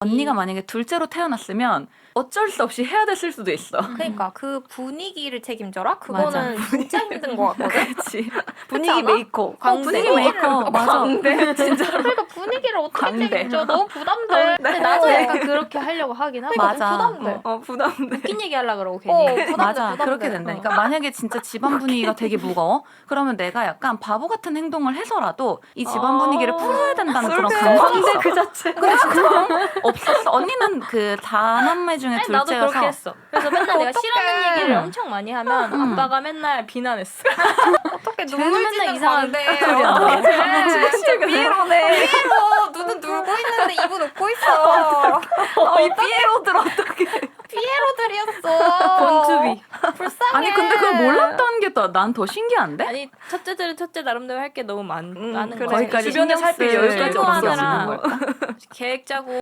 언니가 만약에 둘째로 태어났으면 어쩔 수 없이 해야 됐을 수도 있어. 그러니까 그 분위기를 책임져라? 맞아. 그거는 진짜 힘든 것 같거든? 그렇지. 분위기 않아? 메이커. 분위기 메이커. 맞아. 진짜로. 그러니까 분위기를 어떻게 광대. 책임져? 너무 부담돼. 근데 나도 약간 그렇게 하려고 하긴 하거든. 맞아. 부담돼. 부담돼. 웃긴 얘기 하려고 그러고 괜히. 부담돼, 맞아. 부담돼. 그렇게 된다. 그러니까 만약에 진짜 집안 분위기가 되게 무거워? 그러면 내가 약간 바보 같은 행동을 해서라도 이 집안 분위기를 풀어야 된다는 그런 감성이 있어. 그 자체. 근데 진짜 없었어. 언니는 그 4남매 중에 아니, 나도 둘째여서 그렇게 했어. 그래서 맨날 내가 싫어하는 얘기를 엄청 많이 하면 아빠가 맨날 비난했어. 어떻게 쟤는 눈물 맨날 짓는 이상한 건데 소리 한다. 어떡해. 진짜 피에로네. 피에로 눈은 놀고 있는데 입은 웃고 있어. 이 피에로들 어떻게 피에로들이었어. 본투비. 불쌍해. 아니 근데 그걸 몰랐다는 게 난 더 신기한데? 아니 첫째들은 첫째 나름대로 할 게 너무 많은 그래. 거야. 거기까지 주변에 신경 쓸 살필 여유까지 없어지는 없어지는 거야. 계획 짜고